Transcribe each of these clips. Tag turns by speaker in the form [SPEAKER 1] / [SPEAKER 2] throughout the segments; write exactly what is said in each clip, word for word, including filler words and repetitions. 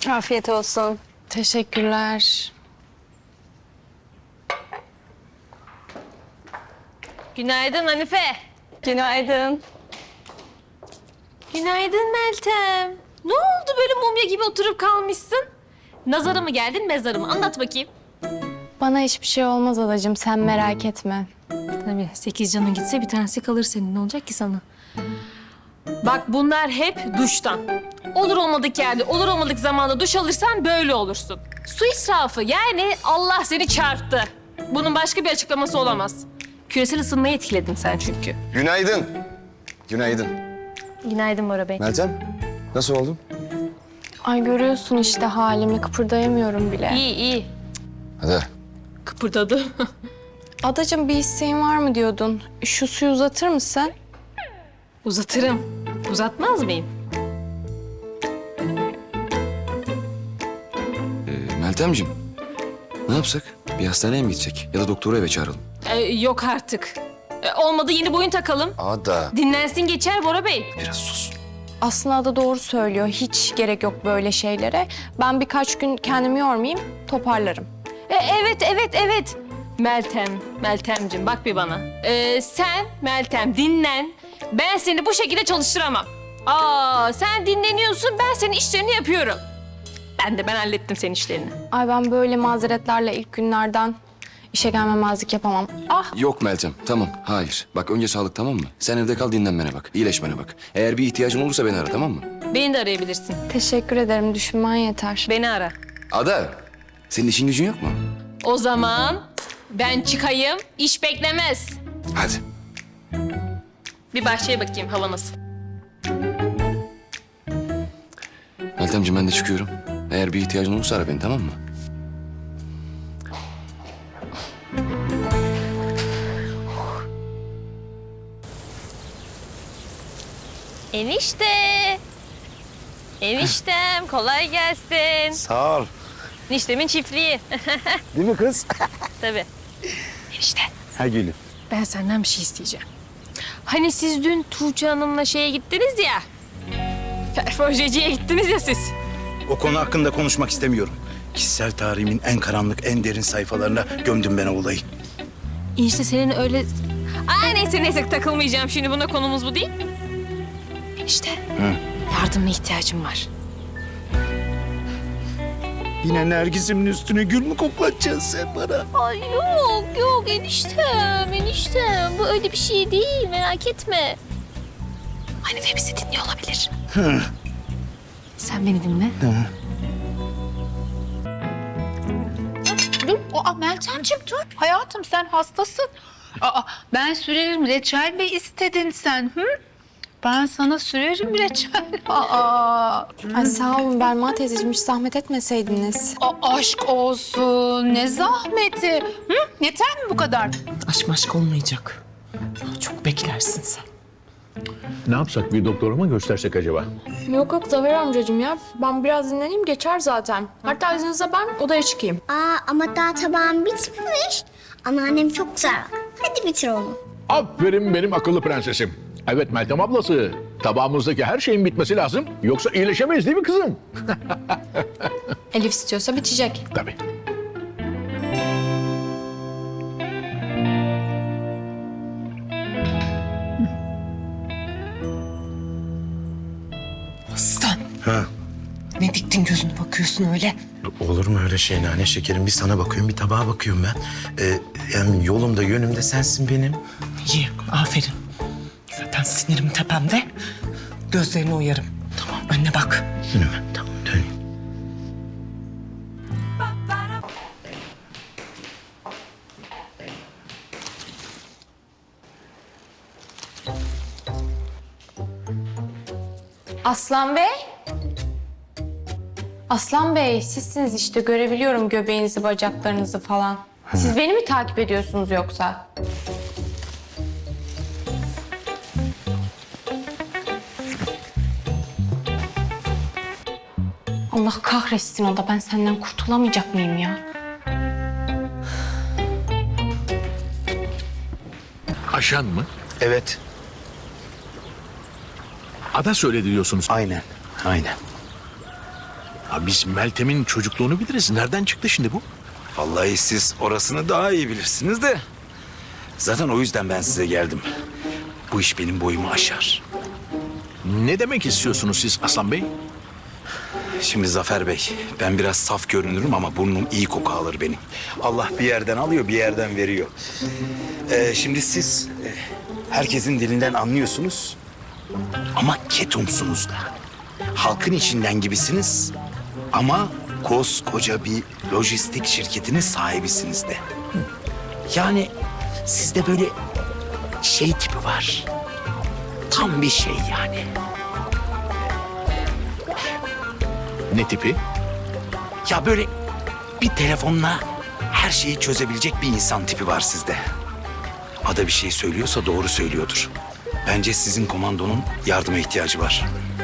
[SPEAKER 1] Afiyet olsun.
[SPEAKER 2] Teşekkürler.
[SPEAKER 3] Günaydın Hanife.
[SPEAKER 1] Günaydın.
[SPEAKER 3] Günaydın Meltem. Ne oldu böyle mumya gibi oturup kalmışsın? Nazara mı geldin, mezara mı? Anlat bakayım.
[SPEAKER 2] Bana hiçbir şey olmaz adacığım, sen merak etme.
[SPEAKER 3] Tabii sekiz canın gitse bir tanesi kalır senin. Ne olacak ki sana? Bak bunlar hep duştan. Olur olmadık yerde, olur olmadık zamanda duş alırsan böyle olursun. Su israfı yani Allah seni çarptı. Bunun başka bir açıklaması olamaz. Küresel ısınmayı etkiledin sen çünkü.
[SPEAKER 4] Günaydın. Günaydın.
[SPEAKER 3] Günaydın Bora Bey.
[SPEAKER 4] Meltem, nasıl oldun?
[SPEAKER 2] Ay görüyorsun işte halimi, kıpırdayamıyorum bile.
[SPEAKER 3] İyi iyi.
[SPEAKER 4] Hadi.
[SPEAKER 3] Kıpırdadı.
[SPEAKER 2] Adacığım bir isteğin var mı diyordun? Şu suyu uzatır mısın?
[SPEAKER 3] Uzatırım. Uzatmaz mıyım?
[SPEAKER 4] Ee, Meltemciğim, ne yapsak? Bir hastaneye mi gidecek? Ya da doktoru eve çağıralım.
[SPEAKER 3] Ee, yok artık. Ee, olmadı yeni boyun takalım.
[SPEAKER 4] Ada.
[SPEAKER 3] Dinlensin geçer Bora Bey.
[SPEAKER 4] Biraz sus.
[SPEAKER 2] Aslında Ada doğru söylüyor. Hiç gerek yok böyle şeylere. Ben birkaç gün kendimi yormayayım, toparlarım.
[SPEAKER 3] Ee, evet, evet, evet. Meltem, Meltemciğim bak bir bana. Ee, sen Meltem dinlen. Ben seni bu şekilde çalıştıramam. Aa, sen dinleniyorsun, ben senin işlerini yapıyorum. Ben de ben hallettim senin işlerini.
[SPEAKER 2] Ay ben böyle mazeretlerle ilk günlerden işe gelmemezlik yapamam. Ah!
[SPEAKER 4] Yok Meltem, tamam. Hayır. Bak önce sağlık, tamam mı? Sen evde kal, dinlenmene bak. İyileşmene bak. Eğer bir ihtiyacın olursa beni ara, tamam mı?
[SPEAKER 3] Beni de arayabilirsin.
[SPEAKER 2] Teşekkür ederim, düşünmen yeter.
[SPEAKER 3] Beni ara.
[SPEAKER 4] Ada, senin işin gücün yok mu?
[SPEAKER 3] O zaman ben çıkayım, iş beklemez.
[SPEAKER 4] Hadi.
[SPEAKER 3] Bir bahçeye bakayım hava nasıl.
[SPEAKER 4] Meltemciğim ben de çıkıyorum. Eğer bir ihtiyacın olursa ara beni, tamam mı?
[SPEAKER 3] Enişte. Eniştem kolay gelsin.
[SPEAKER 5] Sağ ol.
[SPEAKER 3] Eniştemin çiftliği.
[SPEAKER 5] Değil mi kız?
[SPEAKER 3] Tabii. Enişte
[SPEAKER 5] Ha gülüm.
[SPEAKER 3] ben senden bir şey isteyeceğim. Hani siz dün Tuğçe Hanım'la şeye gittiniz ya. Perforjeciye gittiniz ya siz.
[SPEAKER 5] O konu hakkında konuşmak istemiyorum. Kişisel tarihimin en karanlık, en derin sayfalarına gömdüm ben o olayı.
[SPEAKER 3] Enişte senin öyle... Aa neyse neyse takılmayacağım şimdi buna konumuz bu değil. Enişte yardımına ihtiyacım var.
[SPEAKER 5] Yine Nergis'imin üstüne gül mü koklatacaksın sen bana?
[SPEAKER 3] Ay yok yok eniştem eniştem bu öyle bir şey değil merak etme. Hanife bizi dinliyor olabilir.
[SPEAKER 5] Hı.
[SPEAKER 3] Sen beni dinle.
[SPEAKER 6] Dur, aa Meltemciğim dur. Hayatım sen hastasın. Aa, ben sürerim. Reçel mi istedin sen? Hı? Ben sana sürerim reçel. Aa,
[SPEAKER 2] Ay sağ olun Belma teyzeciğim, hiç zahmet etmeseydiniz.
[SPEAKER 6] a- aşk olsun. Ne zahmeti. Hı? Yeter mi bu kadar?
[SPEAKER 7] Aşk maşk olmayacak. Daha çok beklersin sen.
[SPEAKER 8] Ne yapsak, bir doktora mı göstersek acaba?
[SPEAKER 2] Yok yok Zafer amcacığım ya. Ben biraz dinleneyim, geçer zaten. Hatta izninizle ben odaya çıkayım.
[SPEAKER 9] Aa ama daha tabağım bitmemiş. Anneannem çok güzel bak. Hadi bitir onu.
[SPEAKER 8] Aferin benim akıllı prensesim. Evet Meltem ablası, tabağımızdaki her şeyin bitmesi lazım. Yoksa iyileşemeyiz değil mi kızım?
[SPEAKER 2] Elif istiyorsa bitecek.
[SPEAKER 8] Tabii.
[SPEAKER 7] Aslan.
[SPEAKER 5] Ha.
[SPEAKER 7] Ne diktin gözünü bakıyorsun öyle?
[SPEAKER 5] Olur mu öyle şey nane şekerim? Bir sana bakıyorum, bir tabağa bakıyorum ben. Ee, yani yolumda, yönümde sensin benim.
[SPEAKER 7] İyi, aferin. Zaten sinirim tepemde. Gözlerini oyarım. Tamam, önüne bak.
[SPEAKER 5] Önüme, tamam döneyim.
[SPEAKER 2] Aslan Bey. Aslan Bey, sizsiniz işte. Görebiliyorum göbeğinizi, bacaklarınızı falan. Siz beni mi takip ediyorsunuz yoksa? Allah kahretsin o da. Ben senden kurtulamayacak mıyım ya?
[SPEAKER 8] Aşan mı?
[SPEAKER 5] Evet,
[SPEAKER 8] Ada söyledi diyorsunuz.
[SPEAKER 5] aynen, aynen.
[SPEAKER 8] Ha, biz Meltem'in çocukluğunu biliriz. Nereden çıktı şimdi bu?
[SPEAKER 5] Vallahi siz orasını daha iyi bilirsiniz de. Zaten o yüzden ben size geldim. Bu iş benim boyumu aşar.
[SPEAKER 8] Ne demek istiyorsunuz siz Aslan Bey?
[SPEAKER 5] Şimdi Zafer Bey, ben biraz saf görünürüm ama burnum iyi koku alır benim. Allah bir yerden alıyor, bir yerden veriyor. Ee, şimdi siz e, herkesin dilinden anlıyorsunuz ama ketumsunuz da. Halkın içinden gibisiniz ama koskoca bir lojistik şirketinin sahibisiniz de. Yani sizde böyle şey tipi var. Tam bir şey yani.
[SPEAKER 8] Ne tipi?
[SPEAKER 5] Ya böyle bir telefonla her şeyi çözebilecek bir insan tipi var sizde. Ada bir şey söylüyorsa doğru söylüyordur. Bence sizin komandonun yardıma ihtiyacı var.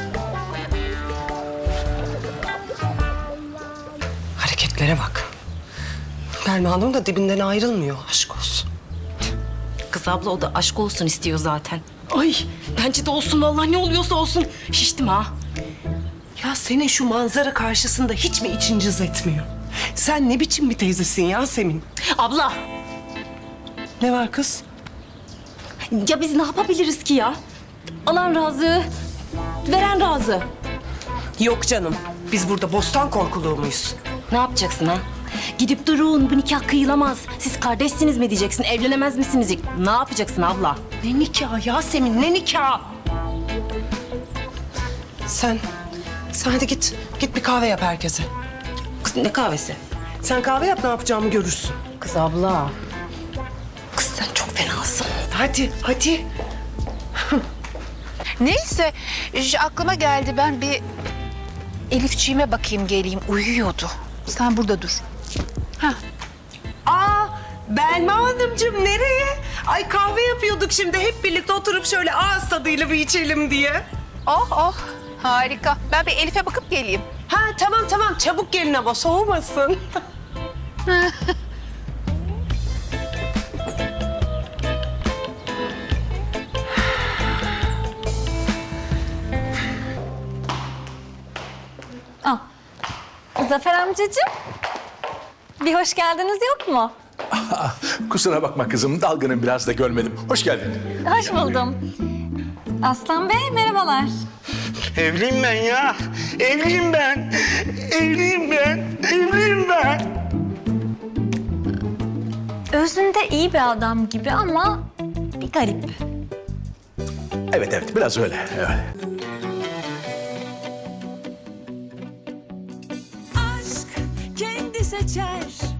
[SPEAKER 7] Hareketlere bak. Belma Hanım da dibinden ayrılmıyor. Aşk olsun.
[SPEAKER 10] Kız abla o da aşk olsun istiyor zaten.
[SPEAKER 7] Ay
[SPEAKER 10] Bence de olsun vallahi ne oluyorsa olsun. Şiştim ha.
[SPEAKER 7] ya senin şu manzara karşısında hiç mi için cız etmiyor? Sen ne biçim bir teyzesin Yasemin?
[SPEAKER 10] Abla
[SPEAKER 7] Ne var kız?
[SPEAKER 10] ya biz ne yapabiliriz ki ya? Alan razı, veren razı.
[SPEAKER 7] Yok canım. Biz burada bostan korkuluğu muyuz?
[SPEAKER 10] Ne yapacaksın ha? Gidip durun bu nikah kıyılamaz. Siz kardeşsiniz mi diyeceksin, evlenemez misiniz? Ne yapacaksın abla?
[SPEAKER 7] Ne nikah Yasemin, ne nikah? Sen, sen hadi git. Git bir kahve yap herkese.
[SPEAKER 10] Kız ne kahvesi?
[SPEAKER 7] Sen kahve yap, ne yapacağımı görürsün.
[SPEAKER 10] Kız abla. Kız sen çok fenasın.
[SPEAKER 7] Hadi, hadi.
[SPEAKER 6] Neyse ş- aklıma geldi, ben bir Elifçiğime bakayım geleyim, uyuyordu. Sen burada dur.
[SPEAKER 7] Aa, Belma Hanımcığım nereye? Ay kahve yapıyorduk şimdi. Hep birlikte oturup şöyle ağız tadıyla bir içelim diye.
[SPEAKER 6] Oh oh, harika. Ben bir Elif'e bakıp geleyim.
[SPEAKER 7] Ha tamam tamam, çabuk gelin ama soğumasın.
[SPEAKER 1] Zafer amcacığım. Bir hoş geldiniz yok mu?
[SPEAKER 8] Kusura bakma kızım, dalgınım biraz da görmedim. Hoş geldin.
[SPEAKER 1] Hoş buldum. Aslan Bey merhabalar.
[SPEAKER 5] Evliyim ben ya. Evliyim ben. Evliyim ben. Evliyim ben.
[SPEAKER 1] Özünde iyi bir adam gibi ama bir garip.
[SPEAKER 8] Evet evet, biraz öyle. Evet.
[SPEAKER 11] Aşk kendi seçer